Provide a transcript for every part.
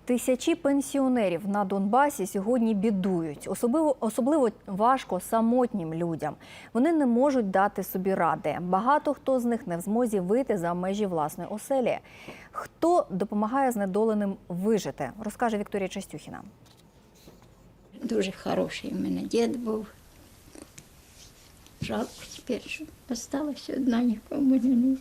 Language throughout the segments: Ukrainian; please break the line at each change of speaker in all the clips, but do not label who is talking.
Тисячі пенсіонерів на Донбасі сьогодні бідують. Особливо важко самотнім людям. Вони не можуть дати собі ради. Багато хто з них не в змозі вийти за межі власної оселі. Хто допомагає знедоленим вижити, розкаже Вікторія Частюхіна.
Дуже хороший у мене дід був. Жалко тепер, що залишилася одна, нікому не нужна.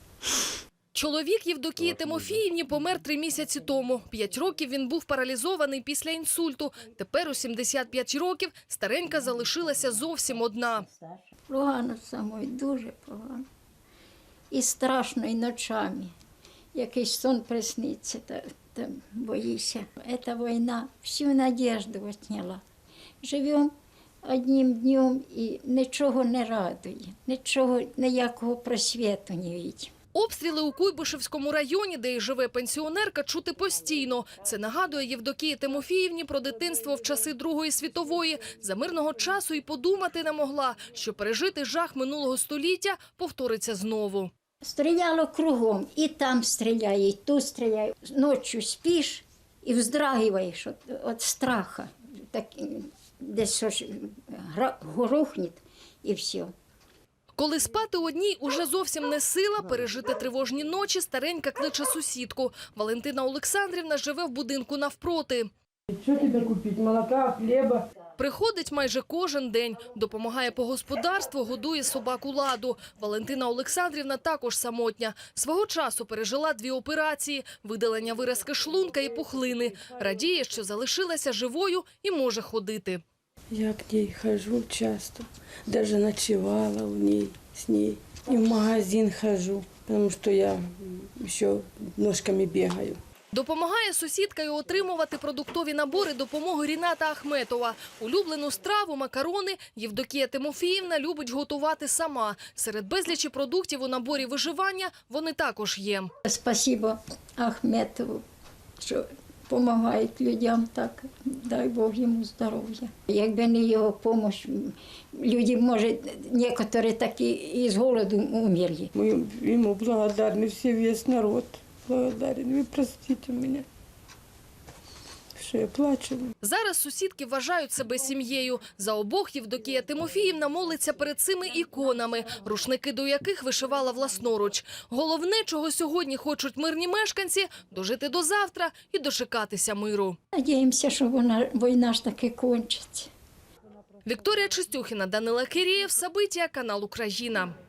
Чоловік Євдокії Тимофіївні помер 3 місяці тому. 5 років він був паралізований після інсульту. Тепер у 75 років старенька залишилася зовсім одна.
Погано самою, дуже погано. І страшно, і ночами. Якийсь сон присниться, та боїшся. Ця війна всю надіжду відняла. Живемо одним днем і нічого не радує, нічого, ніякого просвіту не бачимо.
Обстріли у Куйбишевському районі, де й живе пенсіонерка, чути постійно. Це нагадує Євдокії Тимофіївні про дитинство в часи Другої світової. За мирного часу і подумати не могла, що пережити жах минулого століття повториться знову.
Стріляло кругом, і там стріляє, і тут стріляє. Ночі спиш і вздрагиваєш від страху. Так, десь щось грохне і все.
Коли спати одній уже зовсім не сила, пережити тривожні ночі старенька кличе сусідку. Валентина Олександрівна живе в будинку навпроти.
Що тобі купити? Молока, хліба?
Приходить майже кожен день, допомагає по господарству, годує собаку Ладу. Валентина Олександрівна також самотня. Свого часу пережила 2 операції – видалення виразки шлунка і пухлини. Радіє, що залишилася живою і може ходити.
Я к ней хожу часто, даже ночевала с ней. И в магазин хожу, потому что я еще ножками бегаю.
Допомагає сусідка й отримувати продуктові набори допомоги Ріната Ахметова. Улюблену страву – макарони – Євдокія Тимофіївна любить готувати сама. Серед безлічі продуктів у наборі виживання вони також є.
Спасибо Ахметову, що допомагають людям так, дай Бог йому здоров'я. Якби не його допомога, люди, може, некоторі такі із голоду умерли.
Мы ему благодарны, все, весь народ благодарен. Вы простите меня, що я плачу.
Зараз сусідки вважають себе сім'єю. За обох Євдокія Тимофіївна молиться перед цими іконами, рушники до яких вишивала власноруч. Головне, чого сьогодні хочуть мирні мешканці – дожити до завтра і дочекатися миру.
Надіємося, що війна ж таки кончиться.
Вікторія Частюхіна, Данила Кирієв, Сабиття, канал Україна.